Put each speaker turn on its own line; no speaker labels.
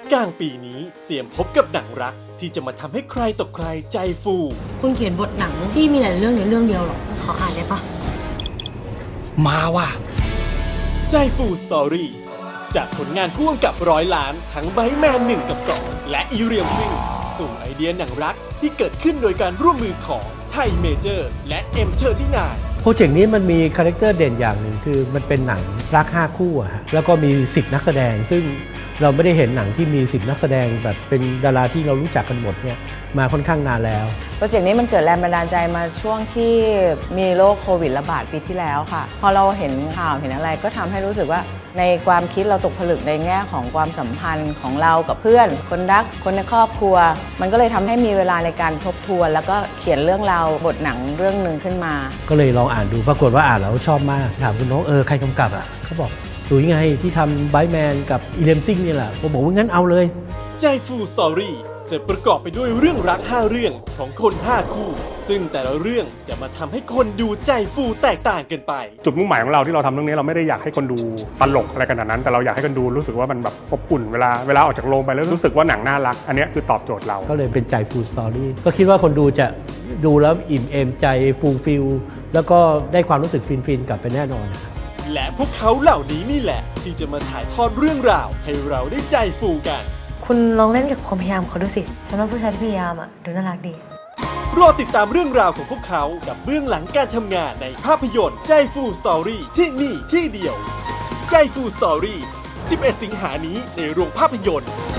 กลางปีนี้เตรียมพบกับหนังรักที่จะมาทำให้ใครต่อใครใจฟู
คุณเขียนบทหนังที่มีหลายเรื่องในเรื่องเดียวหรอขออ่านได้ปะ
มาว่ะ
ใจฟูสตอรี่จากผลงานพ่วงกับ100 ล้านทั้งไบท์แมน1 กับ 2 และอีเรียมซิงสู่ไอเดียหนังรักที่เกิดขึ้นโดยการร่วมมือของไทยเมเจอร์และM39
โปรเจกต์นี้มันมีคาแรคเตอร์เด่นอย่างหนึ่งคือมันเป็นหนังรัก5คู่อะฮะแล้วก็มี10นักแสดงซึ่งเราไม่ได้เห็นหนังที่มี10นักแสดงแบบเป็นดาราที่เรารู้จักกันหมดเนี่ยมาค่อนข้างนานแล้ว
โปรเจกต์นี้มันเกิดแรงบันดาลใจมาช่วงที่มีโรคโควิดระบาดปีที่แล้วค่ะพอเราเห็นข่าวเห็นอะไรก็ทำให้รู้สึกว่าในความคิดเราตกผลึกในแง่ของความสัมพันธ์ของเรากับเพื่อนคนรักคนในครอบครัวมันก็เลยทำให้มีเวลาในการทบทวนแล้วก็เขียนเรื่องราวบทหนังเรื่องหนึ่งขึ้นมา
ก็เลยลองอ่านดูปรากฏว่าอ่านแล้วชอบมากถามคุณน้องใครกำกับอ่ะเขาบอกดูยังไงที่ทำไบท์แมนกับอีเลมซิงนี่แหละผมบอกว่างั้นเอาเลย
ใจฟูสตอรี่จะประกอบไปด้วยเรื่องรัก5 เรื่องของคน5 คู่ซึ่งแต่ละเรื่องจะมาทำให้คนดูใจฟูแตกต่างกันไป
จุดมุ่งหมายของเราที่เราทำเรื่องนี้เราไม่ได้อยากให้คนดูตลกอะไรขนาดนั้นแต่เราอยากให้คนดูรู้สึกว่ามันแบบอบอุ่นเวลาออกจากโรงไปแล้วรู้สึกว่าหนังน่ารักอันนี้คือตอบโจทย์เรา
ก็เลยเป็นใจฟูสตอรี่ก็คิดว่าคนดูจะดูแล้วอิ่มเอมใจฟูลฟิลแล้วก็ได้ความรู้สึกฟินๆกลับไปแน่นอน
และพวกเขาเหล่านี้นี่แหละที่จะมาถ่ายทอดเรื่องราวให้เราได้ใจฟูกัน
คุณลองเล่นกับความพยายามเขาดูสิฉันว่าผู้ชายที่พยายามดูน่ารักดี
รอติดตามเรื่องราวของพวกเขากับเบื้องหลังการทำงานในภาพยนตร์ใจฟูสตอรี่ที่นี่ที่เดียวใจฟูสตอรี่11 สิงหานี้ในโรงภาพยนตร์